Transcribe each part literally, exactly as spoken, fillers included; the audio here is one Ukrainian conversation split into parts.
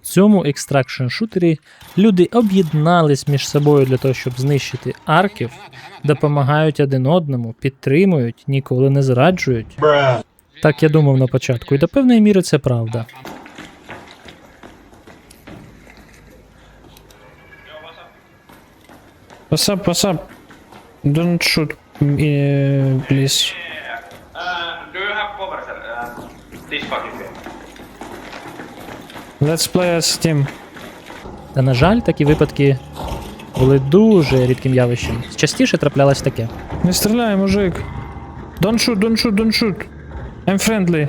цьому екстракшн шутері люди об'єднались між собою для того, щоб знищити арків, допомагають один одному, підтримують, ніколи не зраджують. Так я думав на початку, і до певної міри це правда. What's up, what's up? Don't shoot, uh, please. Uh, do you have cover, sir? Uh, this fucking way. Let's play as team. Та, на жаль, такі випадки були дуже рідким явищем. Частіше траплялось таке. Не стріляй, мужик. Don't shoot, don't shoot, don't shoot. I'm friendly.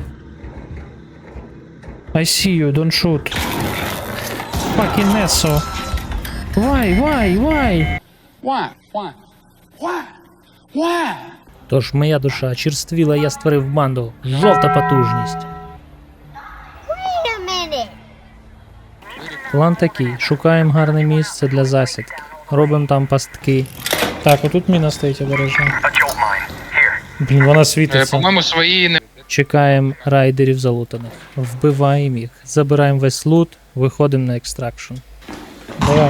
I see you, don't shoot. Fucking Nesso. Why, why, why? Why? Why? Why? Why? Тож моя душа черствіла, я створив банду. Жовта потужність. Wait a minute. План такий. Шукаємо гарне місце для засідки. Робимо там пастки. Так, отут міна стоїть обережно. Блін, вона Е, світиться. По-моєму, свої не. Чекаємо райдерів залутаних. Вбиваємо їх. Забираємо весь лут. Виходимо на екстракшн. Давай.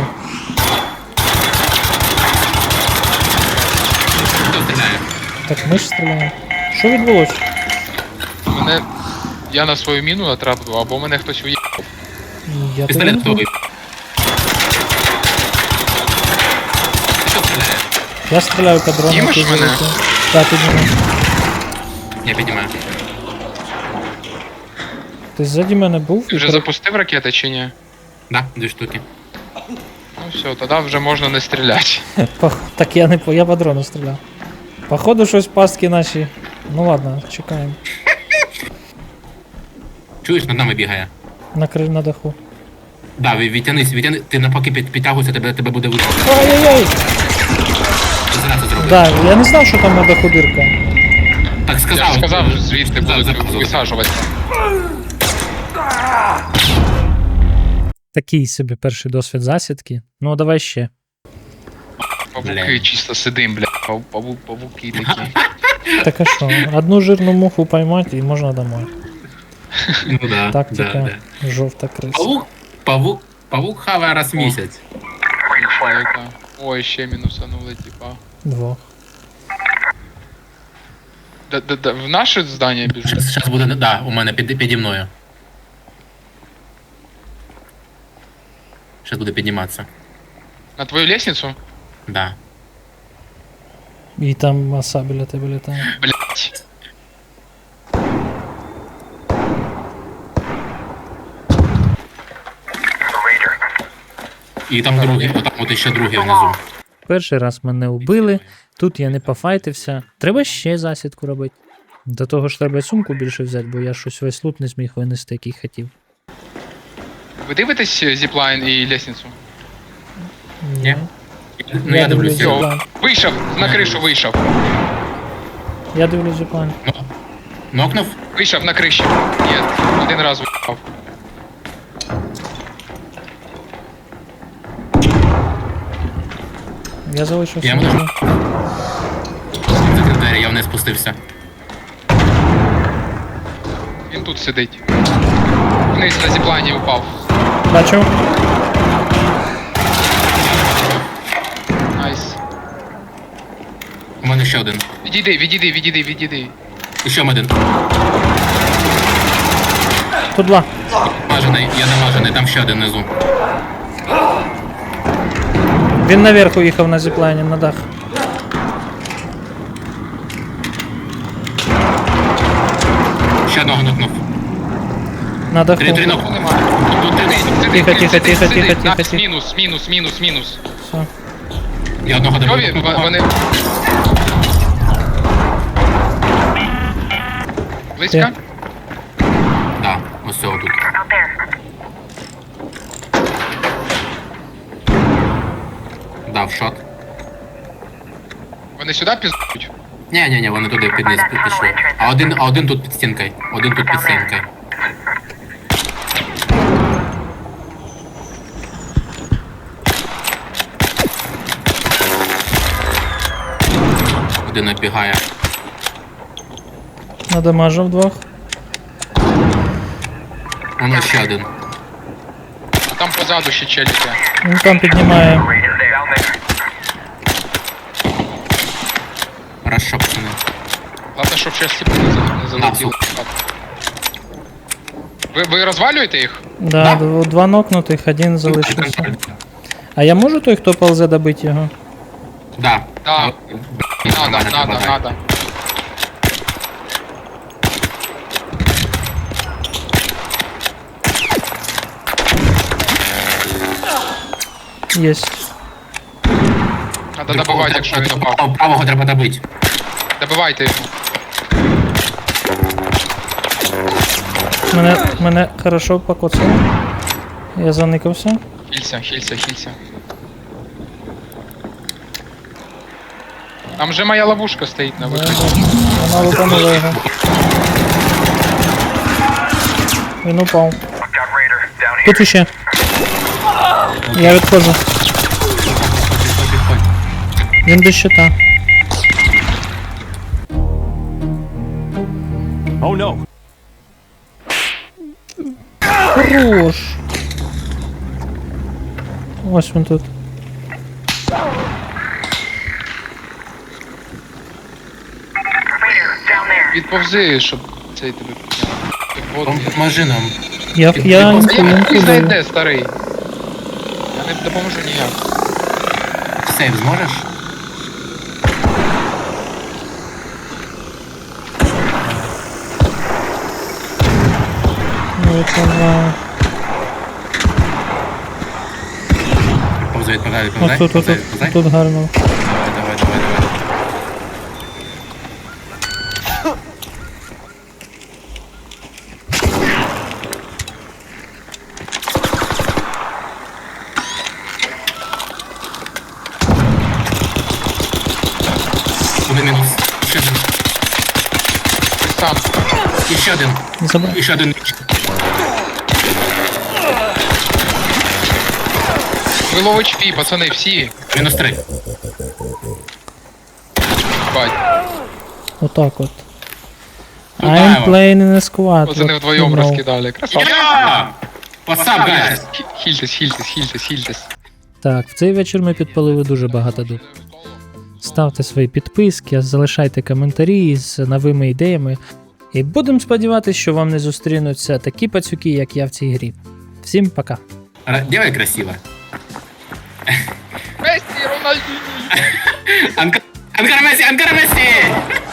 Хто стріляє? Так ми ж стріляємо. Що відбулося? Мене. Я на свою міну натрапив, або мене хтось уїхав. Я Пістолет тебе- готовий. Хто стріляє? Я стріляю по дрону. Знімеш ти мене? залетів. Так, піднімай. Я піднімаю. Ти ззаді мене був? Ти вже запустив ракети чи ні? Да, дві штуки. Ну все, тоді вже можна не стріляти. Пох- Так я не по. Я по дрону стріляв. Походу щось пастки наші. Ну ладно, чекаємо. Чуєш, над нами бігає. Накрив на даху. Да, ві- відтянись, відтяни. Ти навпаки під, підтягуйся, тебе, тебе буде видно. Ай-яй-яй! Ти зараз це зробиш. Да, я не знав, що там на даху дирка. Так сказав. Я ж сказав, що звідти Сказав, будуть сказав. висаджувати. Такий собі перший досвід засідки. Ну, давай ще. Павуки Бля. чисто сидим, бля. Пав- паву- Павуки такі. Так а що? Одну жирну муху поймати і можна домой. Ну да. Тактика Да, да. жовта криса. Павук, павук, павук хаває раз в місяць. Чоловіка. Ой, ще мінусанули, типа. Двох. Да- да- да, В наше здання біжить? Зараз буде, да, у мене під, піді мною. Зараз буде підніматися. На твою лестницю? Да. І там маса біля тебе літає. Блять. І там другий, отам от ще другий внизу. Перший раз мене убили, тут я не пофайтився. Треба ще засідку робити. До того ж треба сумку більше взяти, бо я щось весь лут не зміг винести, який хотів. Ви дивитесь зіплайн і лестницю? Ні. Ну я дивлюсь. зіплайн. його. Йо. Вийшов, на кришу вийшов. Я дивлюсь зіплайн. Нокнув? Вийшов на криші. Ні, один раз вийшов. Я залишився. Я внизу. можу. Закрив двері, я вниз спустився. Він тут сидить. Вниз на зіплайні упав. Бачу. Найс. У мене ще один. Відійди, відійди, відійди, відійди. І ще один. Тут два. Намажений, я намажений, там ще один внизу. Він наверх уїхав на зіплайні, на дах. Ще одного нокнув. На даху. Три, три нокнув. Нема. Тут три. Тихо, тихо, тихо, тихо, тихо, Накс, тихо. мінус, мінус, мінус, мінус. Все. Я одного Йові, добив. в- вони... Близько? Де? Так, ось цього тут. Дав шот. Вони сюди піздують? Ні, ні, ні, вони туди під низ пі- пішли. А один, а один тут під стінкою. Один тут під стінкою. Один набігає. Надамажив двох. Воно ще один. Там позаду ще челіки. Він там піднімає. Хорошо, пацани. Ладно, щоб ще сліпи не за- не залетіли. Ви, ви розвалюєте їх? Да, дв- два нокнутих, один залишився. А я можу той, хто ползе, добити його? Да. Да. Надо, надо, надо. Єсть. Надо добивати, якщо він упав. Правого- Правого треба добити. Добивайте його. Мене, мене хорошо покоцало. Я заникався. Хілься, хілься, хілься. Там же моя ловушка стоїть на виході. Вона лупанула його. Він упав. Тут іще. Я відходжу. Підходь, підходь. Він до щита. Oh no. Хорош. Ось він тут. Відповзи, щоб цей тебе підняв. Ти в воду. Поможи нам. Я, Ти- я ти інфу, Я інфу не знаю, даю. де, старий. Я не допоможу ніяк. Сейв зможеш? Ну, це два. Повзай, відповзай, От відповзай. тут, тут, Повзай, тут, відповзай. тут гарно. Давай, давай, давай, давай. Один мінус. Ще один. Ти сам. І ще один. Не забирай. І ще один. Ви лов ейч пі, пацани, всі. Мінус три. Бать. Отак от. Ну, I'm да, playing in a squad. Пацани What вдвоєм you know. розкидали. Красавчик. Я! What's up, guys? Хі- Хільтесь, хільтесь, хільтесь, хільтесь. Так, в цей вечір ми підпалили дуже багато дуб. Ставте свої підписки, залишайте коментарі з новими ідеями. І будемо сподіватися, що вам не зустрінуться такі пацюки, як я в цій грі. Всім пока. Ра- Делай красиво. Мессі, Рональдіні! Анкар Анкар Месси, Анкар Месси!